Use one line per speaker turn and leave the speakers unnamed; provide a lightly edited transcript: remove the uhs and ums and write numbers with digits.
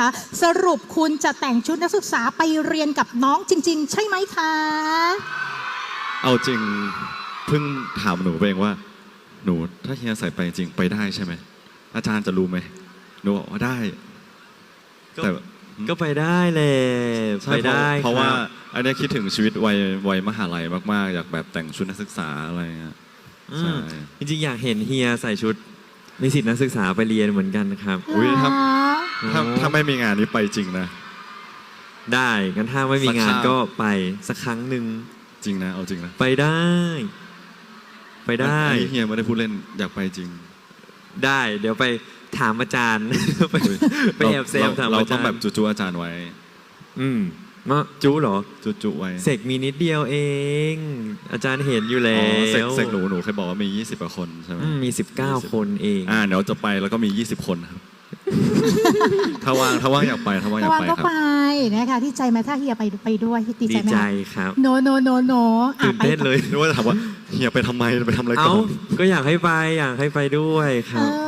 นะคะสรุปคุณจะแต่งชุดนักศึกษาไปเรียนกับน้องจริงๆใช่ไหมคะ
เอาจริงเพิ่งถามหนูเองว่าหนูถ้าเฮียใส่ไปจริงไปได้ใช่ไหมอาจารย์จะรู้ไหมหนูบอกว่าได้แต่
ก็ไปได้เลยไปได้
เพราะว่าอันนี้คิดถึงชีวิตวัยมหาลัยมากๆอยากแบบแต่งชุดนักศึกษาอะไรเงี้ยใช่
จริงๆอยากเห็นเฮียใส่ชุดนิสิตนักศึกษาไปเรียนเหมือนกันครับ
อุ้ยถ้าไม่มีงานนี้ไปจริงนะ
ได้งั้นถ้าไม่มีงานก็ไปสักครั้งหนึ่ง
จริงนะเอาจริงนะ
ไปได้
เฮียไม่ได้พูดเล่นอยากไปจริง
ได้เดี๋ยวไปถามอาจารย์ไปแอบเซฟถามอาจารย์
เราต้องแบบจูอาจารย์ไว้
มาจูเหรอ
จูไว้
เสกมีนิดเดียวเองอาจารย์เห็นอยู่แล้ว
เสกหนูเคยบอกว่ามี20กว่าคนใช่ไหม
มี19คนเอง
เดี๋ยวจะไปแล้วก็มี20คนครับถ้าว่างอยากไปถ้าว่างอยากไป
ก็ไปนะคะที่ใจไหมถ้าเฮียไปด้วยดีใจไหม
ดีใจครับ
โน
ตื่นเต้นเลย
นึกว่าจะถามว่าเฮียไปทำไมไปทำอะไรก่อน
ก็อยากให้ไปด้วยครับ